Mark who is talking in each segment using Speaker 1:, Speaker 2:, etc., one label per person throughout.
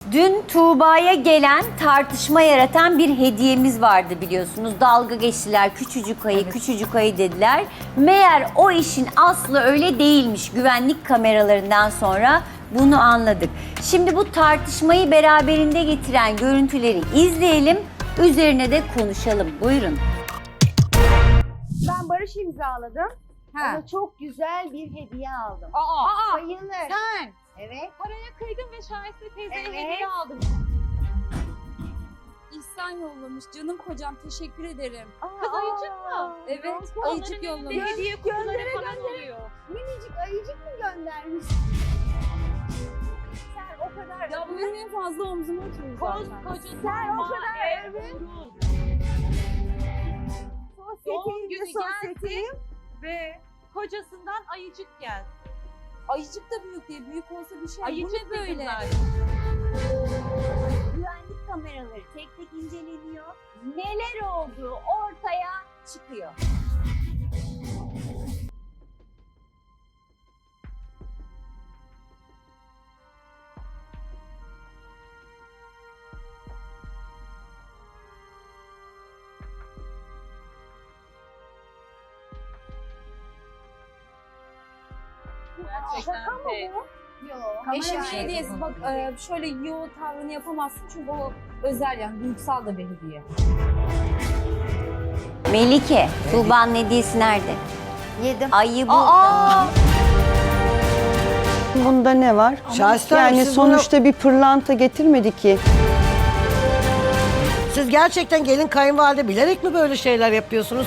Speaker 1: Dün Tuğba'ya gelen tartışma yaratan bir hediyemiz vardı biliyorsunuz. Dalga geçtiler, küçücük ayı, küçücük ayı dediler. Meğer o işin aslı öyle değilmiş. Güvenlik kameralarından sonra bunu anladık. Şimdi bu tartışmayı beraberinde getiren görüntüleri izleyelim. Üzerine de konuşalım. Buyurun.
Speaker 2: Ben barış imzaladım.
Speaker 3: Ha.
Speaker 2: Ona çok güzel bir hediye aldım.
Speaker 3: Aa,
Speaker 2: Bayılır.
Speaker 3: sen
Speaker 2: Evet.
Speaker 3: paraya kıydın ve Şahiste teyzeye
Speaker 2: Evet.
Speaker 3: hediye aldın. İhsan yollamış. Canım kocam teşekkür ederim.
Speaker 2: Kız ayıcık mı?
Speaker 3: Evet, ayıcık yollamış.
Speaker 2: Hediye kutuları falan oluyor. Minicik ayıcık mı göndermiş? Sen o kadar...
Speaker 3: Ya bu benim en fazla omzuma oturuyor zaten.
Speaker 2: Sen o kadar... Evet.
Speaker 4: Doğum günü
Speaker 2: Sosyeteyim.
Speaker 4: Ve kocasından ayıcık geldi.
Speaker 3: Ayıcık da büyük değil. Büyük olsa bir şey.
Speaker 4: Ayıcık
Speaker 3: bu ne böyle?
Speaker 1: Güvenlik kameraları tek tek inceleniyor. Neler olduğu ortaya çıkıyor.
Speaker 4: Gerçekten
Speaker 2: Şaka mı
Speaker 4: pek.
Speaker 2: bu? Yok.
Speaker 3: Eşim hediyesi bak şöyle yo tavrını yapamazsın çünkü o özel yani duygusal da bir hediye.
Speaker 1: Melike, Tuğba'nın hediyesi nerede?
Speaker 2: Yedim.
Speaker 1: Ayı bu.
Speaker 5: Bunda ne var?
Speaker 6: Şahiste
Speaker 5: Yani
Speaker 6: Hanım, siz
Speaker 5: sonuçta bir pırlanta getirmedi ki.
Speaker 6: Siz gerçekten gelin kayınvalide bilerek mi böyle şeyler yapıyorsunuz?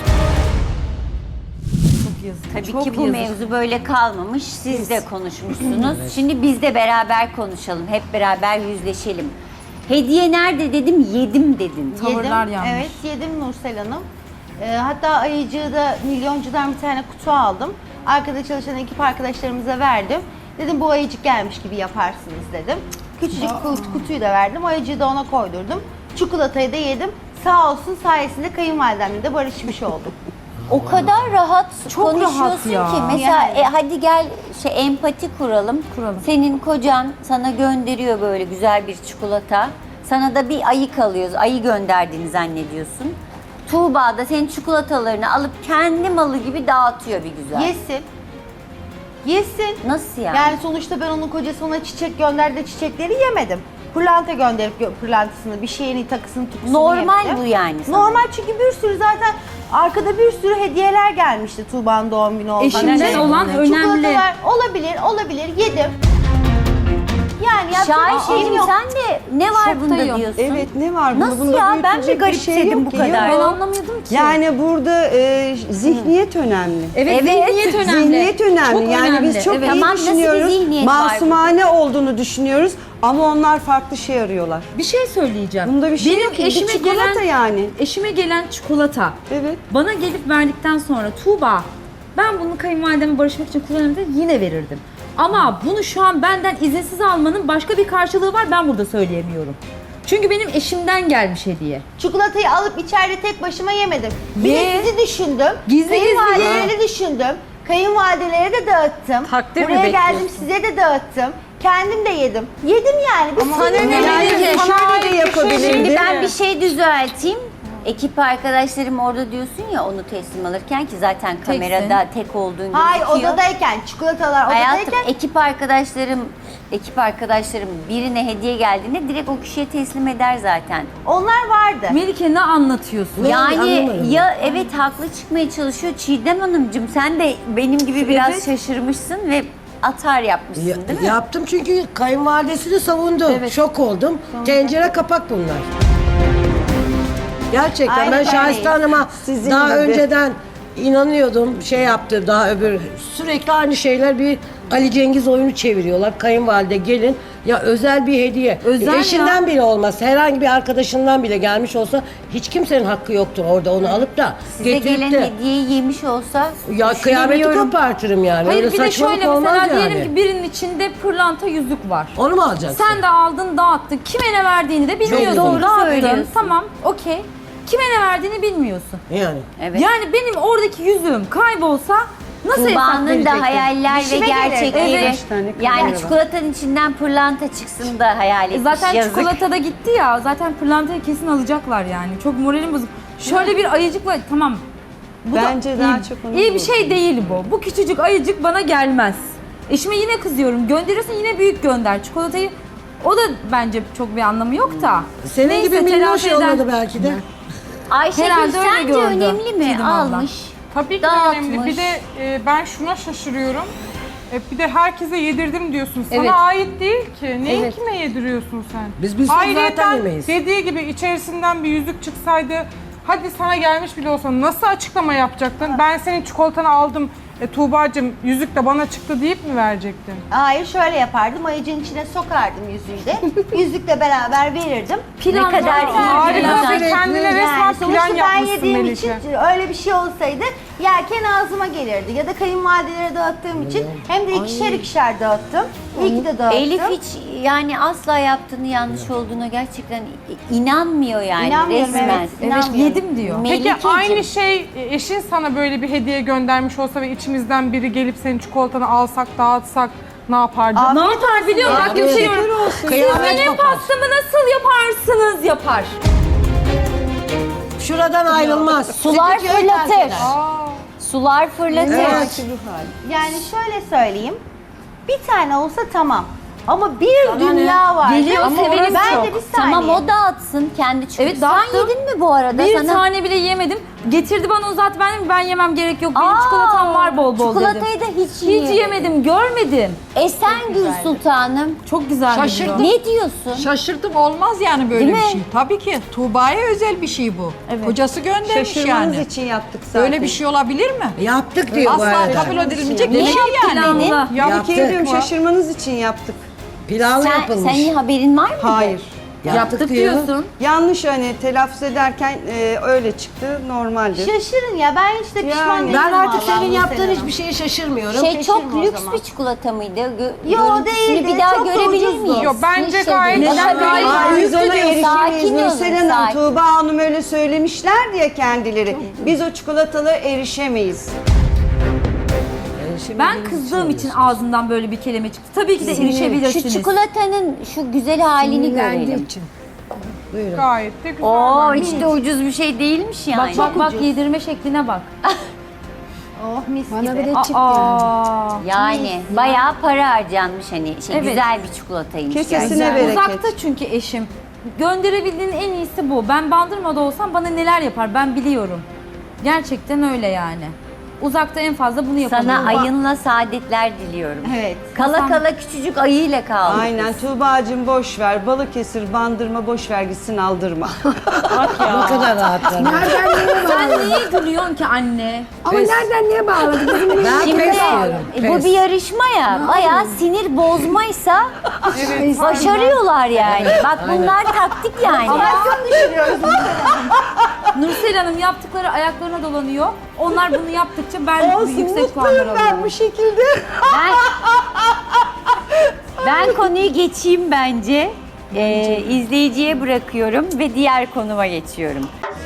Speaker 1: Tabii ki bu mevzu böyle kalmamış. Siz de konuşmuşsunuz. Şimdi biz de beraber konuşalım. Hep beraber yüzleşelim. Hediye nerede dedim, yedim dedin.
Speaker 3: Tavırlar yanlış.
Speaker 7: Evet yedim Nursel Hanım. Hatta ayıcığı da milyoncudan bir tane kutu aldım. Arkada çalışan ekip arkadaşlarımıza verdim. Dedim bu ayıcık gelmiş gibi yaparsınız dedim. Küçücük kutuyu da verdim. Ayıcığı da ona koydurdum. Çikolatayı da yedim. Sağ olsun sayesinde kayınvalidemle de barışmış oldum.
Speaker 1: O kadar rahat
Speaker 3: Çok
Speaker 1: konuşuyorsun
Speaker 3: rahat ya.
Speaker 1: ki. Mesela
Speaker 7: Yani.
Speaker 1: hadi gel empati kuralım. Senin kocan sana gönderiyor böyle güzel bir çikolata. Sana da bir ayı kalıyor. Ayı gönderdiğini zannediyorsun. Tuğba da senin çikolatalarını alıp kendi malı gibi dağıtıyor bir güzel.
Speaker 7: Yesin. Yesin.
Speaker 1: Nasıl yani?
Speaker 7: Yani sonuçta ben onun kocası ona çiçek gönderdi, çiçekleri yemedim. Pırlanta gönderip pırlantasını, bir şeyini, takısını, tukusunu
Speaker 1: Normal
Speaker 7: yemedim.
Speaker 1: bu yani sana.
Speaker 7: Normal çünkü bir sürü zaten arkada bir sürü hediyeler gelmişti Tuğba'nın doğum günü olduğunda.
Speaker 3: Eşimden olan önemli.
Speaker 7: Çikolatalar olabilir yedim. Yani yapacak bir şeyim
Speaker 1: Şahin'cim
Speaker 7: yok.
Speaker 1: sen de ne var bunda
Speaker 3: Şoktayım.
Speaker 1: diyorsun?
Speaker 5: Evet ne var bunda?
Speaker 1: Nasıl
Speaker 5: Bunda
Speaker 1: ya? Ben mi
Speaker 5: büyütülecek bir şey
Speaker 1: garipsedim
Speaker 5: yok
Speaker 1: bu
Speaker 5: ki.
Speaker 1: kadar?
Speaker 5: Yok.
Speaker 3: Ben anlamıyordum ki.
Speaker 5: Yani burada zihniyet önemli.
Speaker 3: Evet, zihniyet önemli.
Speaker 5: Zihniyet önemli.
Speaker 3: Çok
Speaker 5: Yani
Speaker 3: önemli.
Speaker 5: biz çok
Speaker 3: Evet.
Speaker 5: iyi
Speaker 1: Tamam, nasıl bir
Speaker 5: düşünüyoruz.
Speaker 1: zihniyet var
Speaker 5: Masumane olduğunu düşünüyoruz ama onlar farklı şey arıyorlar.
Speaker 3: Bir şey söyleyeceğim.
Speaker 5: Bunda bir şey
Speaker 3: Benim
Speaker 5: yok ki. Bir
Speaker 3: eşime
Speaker 5: çikolata
Speaker 3: gelen
Speaker 5: yani.
Speaker 3: Eşime gelen çikolata
Speaker 5: Evet.
Speaker 3: bana gelip verdikten sonra Tuğba ben bunu kayınvalideme barışmak için kullanırım da yine verirdim. Ama bunu şu an benden izinsiz almanın başka bir karşılığı var, ben burada söyleyemiyorum. Çünkü benim eşimden gelmiş hediye.
Speaker 7: Çikolatayı alıp içeride tek başıma yemedim. Bir
Speaker 3: Ye.
Speaker 7: de sizi düşündüm.
Speaker 3: Gizli
Speaker 7: Kayınvalideleri düşündüm. Kayınvalidelere de dağıttım.
Speaker 4: Takdir mi
Speaker 7: Buraya geldim
Speaker 4: bekliyorsun?
Speaker 7: size de dağıttım. Kendim de yedim. Yedim yani. Bir sürü
Speaker 5: Yani
Speaker 3: Melike,
Speaker 5: şöyle de yapabilirdi.
Speaker 1: Şimdi ben bir şey düzelteyim. Ekip arkadaşlarım orada diyorsun ya onu teslim alırken ki zaten kamerada tek olduğun gözüküyor.
Speaker 7: Hayır odadayken, çikolatalar
Speaker 1: Hayatım
Speaker 7: odadayken
Speaker 1: ekip arkadaşlarım birine hediye geldiğinde direkt o kişiye teslim eder zaten.
Speaker 7: onlar vardı.
Speaker 3: Melike ne anlatıyorsun?
Speaker 1: Yani
Speaker 6: anlamadım.
Speaker 1: ya evet haklı çıkmaya çalışıyor Çiğdem Hanımcığım, sen de benim gibi biraz
Speaker 3: Evet.
Speaker 1: şaşırmışsın ve atar yapmışsın değil mi?
Speaker 6: Yaptım çünkü kayınvalidesini savundu. Şok oldum. Tencere kapak bunlar. Gerçekten
Speaker 7: Aynen
Speaker 6: ben
Speaker 7: öyle.
Speaker 6: Şahiste Hanım'a
Speaker 5: Sizin
Speaker 6: daha
Speaker 5: gibi.
Speaker 6: önceden inanıyordum. Şey yaptı daha öbür sürekli aynı şeyler, bir Ali Cengiz oyunu çeviriyorlar. Kayınvalide gelin ya özel bir hediye.
Speaker 3: Özel
Speaker 6: Eşinden
Speaker 3: ya.
Speaker 6: bile olmaz. Herhangi bir arkadaşından bile gelmiş olsa hiç kimsenin hakkı yoktur orada onu alıp da
Speaker 1: Size
Speaker 6: getirip
Speaker 1: gelen
Speaker 6: de
Speaker 1: hediyeyi yemiş olsa
Speaker 6: ya kıyameti
Speaker 1: düşünemiyorum.
Speaker 6: kopartırım yani.
Speaker 3: Hayır
Speaker 6: Öyle
Speaker 3: bir de
Speaker 6: saçmalık
Speaker 3: şöyle
Speaker 6: olmaz
Speaker 3: mesela
Speaker 6: yani.
Speaker 3: diyelim ki birinin içinde pırlanta yüzük var.
Speaker 6: Onu mu alacaksın?
Speaker 3: Sen de aldın dağıttın. Kime ne verdiğini de bilmiyorsun.
Speaker 1: doğru
Speaker 3: Dağıttın.
Speaker 1: söylüyorsun.
Speaker 3: Tamam okey. Kime ne verdiğini bilmiyorsun.
Speaker 6: Yani.
Speaker 1: Evet.
Speaker 3: Yani benim oradaki yüzüğüm kaybolsa Nasıl hesap
Speaker 1: Tuğba'nın da
Speaker 3: verecektim?
Speaker 1: hayaller ve
Speaker 7: İşime gelir.
Speaker 1: gerçekleri.
Speaker 3: Evet.
Speaker 5: Beş tane
Speaker 1: Yani
Speaker 5: kamera var.
Speaker 1: çikolatanın içinden pırlanta çıksın da hayal etmiş.
Speaker 3: Zaten
Speaker 1: yazık.
Speaker 3: çikolata da gitti ya. Zaten pırlantayı kesin alacaklar yani. Çok moralim bozuk. Şöyle bir ayıcıkla tamam. Bu
Speaker 5: Bence
Speaker 3: da
Speaker 5: daha
Speaker 3: iyi,
Speaker 5: çok onu
Speaker 3: iyi bir şey değil bu. Bu küçücük ayıcık bana gelmez. Eşime yine kızıyorum. Gönderiyorsun yine büyük gönder. Çikolatayı o da bence çok bir anlamı yok da.
Speaker 6: Senin
Speaker 3: Neyse,
Speaker 6: gibi minnoş
Speaker 3: telafi eden-
Speaker 6: yolladı belki de.
Speaker 1: Ayşegül
Speaker 3: Herhalde öyle
Speaker 1: sence
Speaker 3: gördü
Speaker 1: önemli mi?
Speaker 3: Çiğdem abla.
Speaker 1: Almış.
Speaker 4: Tabii ki
Speaker 1: Dağıtmış.
Speaker 4: önemli. Bir de ben şuna şaşırıyorum. Bir de herkese yedirdim diyorsun. Sana
Speaker 3: Evet.
Speaker 4: ait değil ki. Neyi
Speaker 3: Evet.
Speaker 4: kime yediriyorsun sen?
Speaker 6: Biz zaten
Speaker 4: Ayrıyeten
Speaker 6: yemeyiz.
Speaker 4: dediği gibi içerisinden bir yüzük çıksaydı, hadi sana gelmiş bile olsa nasıl açıklama yapacaktın? Ben senin çikolatanı aldım, Tuğba'cığım yüzük de bana çıktı deyip mi verecektin?
Speaker 7: Hayır, şöyle yapardım. Ayıcığın içine sokardım yüzüğü de. Yüzükle beraber verirdim.
Speaker 1: Ne kadar iyi.
Speaker 4: Harika
Speaker 1: plan.
Speaker 4: bir kendine
Speaker 7: Yani
Speaker 4: resmen
Speaker 7: sonuçta
Speaker 4: plan
Speaker 7: ben
Speaker 4: yapmışsın
Speaker 7: yediğim
Speaker 4: Melike.
Speaker 7: için öyle bir şey olsaydı yerken ağzıma gelirdi. Ya da kayınvalidelere dağıttığım için hem de ikişer dağıttım. İyi ki de dağıttım.
Speaker 1: Elif hiç yani asla yaptığını yanlış olduğuna gerçekten inanmıyor yani
Speaker 7: İnanmıyorum,
Speaker 1: resmen.
Speaker 7: evet.
Speaker 3: Evet
Speaker 7: İnanmıyorum.
Speaker 3: yedim diyor.
Speaker 4: Peki
Speaker 1: Melikeciğim.
Speaker 4: aynı şey eşin sana böyle bir hediye göndermiş olsa ve içimizden biri gelip senin çikolatanı alsak, dağıtsak ne yapardın?
Speaker 3: Ne yapar biliyor musun? Bak gösteriyorum. Siz
Speaker 6: Kıyamet
Speaker 3: benim
Speaker 6: kopar.
Speaker 3: pastamı nasıl yaparsınız? Yapar.
Speaker 6: Şuradan ayrılmaz.
Speaker 1: Sular
Speaker 6: Stüdyoyu terk
Speaker 1: fırlatır.
Speaker 6: eder.
Speaker 1: Sular fırlatır.
Speaker 6: Evet.
Speaker 7: Yani şöyle söyleyeyim. Bir tane olsa tamam. Ama bir dünya var.
Speaker 3: Geliyor,
Speaker 7: Ama
Speaker 3: seveni
Speaker 7: ben
Speaker 3: çok.
Speaker 7: de bir saniye.
Speaker 1: Tamam o dağıtsın kendi çikolatası.
Speaker 3: Evet, dağıttım.
Speaker 1: Sen yedin mi bu arada?
Speaker 3: Bir
Speaker 1: Sana...
Speaker 3: tane bile yemedim. Getirdi bana uzat ben yemem gerek yok. Benim
Speaker 1: Aa,
Speaker 3: çikolatam var bol bol dedim.
Speaker 1: Çikolatayı da hiç
Speaker 3: Hiç yemedim, görmedim.
Speaker 1: Esengül Sultanım.
Speaker 3: Çok güzel
Speaker 8: Şaşırdım.
Speaker 1: Ne diyorsun?
Speaker 8: Şaşırdım, olmaz yani böyle
Speaker 1: Değil
Speaker 8: bir
Speaker 1: mi?
Speaker 8: şey. Tabii ki Tuğba'ya özel bir şey bu.
Speaker 3: Evet.
Speaker 8: Kocası göndermiş
Speaker 5: Şaşırmanız
Speaker 8: yani.
Speaker 5: için yaptık zaten.
Speaker 8: Böyle bir şey olabilir mi?
Speaker 6: Yaptık diyor bu
Speaker 8: Asla
Speaker 6: arada.
Speaker 8: kabul edilemeyecek
Speaker 1: Ne
Speaker 8: bir şey yani.
Speaker 3: Planlı.
Speaker 5: Ya bir
Speaker 6: Yaptık.
Speaker 5: kere diyorum şaşırmanız için yaptık.
Speaker 6: Pilavlı yapılmış.
Speaker 1: Senin haberin var mı?
Speaker 5: Hayır.
Speaker 3: Yaptık diyorsun.
Speaker 5: Yanlış hani telaffuz ederken öyle çıktı. Normaldir.
Speaker 7: Şaşırın ya, ben hiç de pişman
Speaker 5: Yani.
Speaker 7: değilim.
Speaker 6: Ben artık
Speaker 7: vallahi
Speaker 6: senin
Speaker 7: bu
Speaker 6: yaptığın
Speaker 7: sene.
Speaker 6: hiçbir şeye şaşırmıyorum.
Speaker 1: Şey çok
Speaker 7: Şaşırma o
Speaker 1: lüks
Speaker 7: zaman.
Speaker 1: bir çikolata mıydı?
Speaker 7: Yo,
Speaker 1: Görüntüsünü
Speaker 7: değildi.
Speaker 1: bir daha
Speaker 7: Çok da
Speaker 1: görebilir
Speaker 7: ucuzdu.
Speaker 1: miyiz?
Speaker 4: Yok, bence
Speaker 1: Hiç
Speaker 4: gayet
Speaker 1: değil.
Speaker 3: Neden
Speaker 1: Daha
Speaker 3: gayet
Speaker 1: gayet-
Speaker 5: Biz ona
Speaker 1: Sakin
Speaker 5: erişemeyiz
Speaker 1: olun,
Speaker 5: Nursel Hanım.
Speaker 1: sakin.
Speaker 5: Tuğba Hanım öyle söylemişler diye kendileri. Biz o çikolatalara erişemeyiz.
Speaker 3: Ben kızdığım için ağzından böyle bir kelime çıktı. Tabii ki de erişebilirsiniz.
Speaker 1: Şu çikolatanın şu güzel halini görelim.
Speaker 4: Gayet de güzel.
Speaker 1: Oo
Speaker 4: bence.
Speaker 1: hiç de ucuz bir şey değilmiş yani.
Speaker 3: Bak yedirme şekline bak.
Speaker 7: Oh mis gibi.
Speaker 3: Aa.
Speaker 1: Yani bayağı para harcanmış hani
Speaker 3: Evet.
Speaker 1: güzel bir çikolataymış.
Speaker 5: Kesesine
Speaker 1: gerçekten.
Speaker 5: bereket.
Speaker 3: Uzakta çünkü eşim. Gönderebildiğin en iyisi bu. Ben Bandırma'da olsam bana neler yapar ben biliyorum. Gerçekten öyle yani. Uzakta en fazla bunu yapabiliyorum.
Speaker 1: Sana ayınla saadetler diliyorum.
Speaker 7: Evet.
Speaker 1: Kala kala küçücük ayıyla kaldık.
Speaker 5: Aynen Tuğba'cığım boş ver. Balıkesir, Bandırma boş ver gitsin aldırma.
Speaker 6: Ne kadar rahatlar.
Speaker 3: Sen niye gülüyorsun ki anne?
Speaker 6: Ama nereden niye bağladı? Ben
Speaker 1: Şimdi
Speaker 6: pes diyorum.
Speaker 1: bu bir yarışma ya. Bayağı sinir bozmaysa başarıyorlar yani. Bak bunlar taktik yani.
Speaker 3: Nursel Hanım yaptıkları ayaklarına dolanıyor. Onlar bunu yaptıkça ben yüksek puanlar alıyorum.
Speaker 5: şekilde.
Speaker 1: Ben konuyu geçeyim bence. İzleyiciye bırakıyorum ve diğer konuma geçiyorum.